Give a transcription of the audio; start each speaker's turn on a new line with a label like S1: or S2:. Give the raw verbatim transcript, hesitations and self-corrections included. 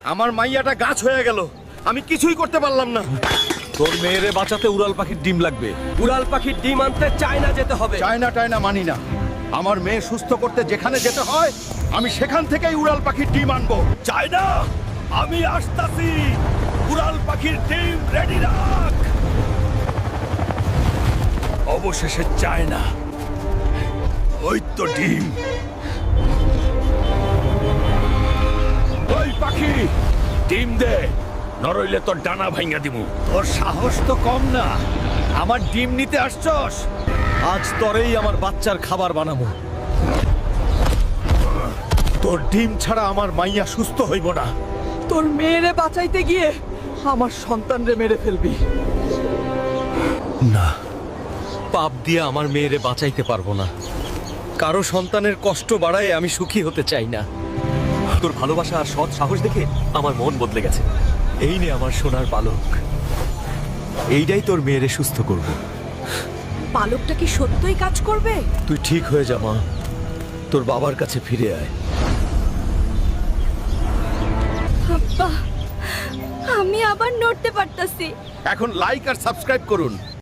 S1: আমার মাইয়াটা গাছ হয়ে গেল, আমি কিছুই করতে পারলাম না।
S2: তোর মেয়েরে বাঁচাতে উড়াল পাখির ডিম লাগবে।
S3: উড়াল পাখির ডিম আনতে চায়না যেতে হবে।
S1: চায়না টায়না মানি না। আমার মেয়ে সুস্থ করতে যেখানে যেতে হয় আমি সেখান থেকেই উড়াল পাখির ডিম আনবো।
S2: চায়না, আমি আসতাছি। উড়াল পাখির ডিম রেডি রাখ। অবশেষে চায়না, ওই তো ডিম। ওই পাখি, ডিম দে, নরইলে তোর ডানা ভাঙা দিমু। তোর সাহস তো কম না, আমার ডিম নিতে আসছস? আজ তোরেই আমার বাচ্চার খাবার বানাবো। তোর ডিম ছাড়া আমার মাইয়া সুস্থ হইব না।
S3: তোর মেয়েরে বাঁচাইতে গিয়ে আমার সন্তানরে মেরে ফেলবি।
S2: না, পাপ দিয়ে আমার মেয়েরে বাঁচাইতে পারবো না। কারো সন্তানের কষ্ট বাড়ায় আমি সুখী হতে চাই না। তোর ভালোবাসা আর সৎ সাহস দেখে আমার মন বদলে গেছে। এই নে আমার সোনার পালক, এইটাই তোর মেয়েরে সুস্থ করব।
S4: পালকটা কি সত্যই কাজ করবে?
S2: তুই ঠিক হয়ে যা মা, তোর বাবার কাছে ফিরে আয়।
S4: আব্বা, আমি আবার নড়তে পারতাছি।
S1: এখন লাইক আর সাবস্ক্রাইব করুন।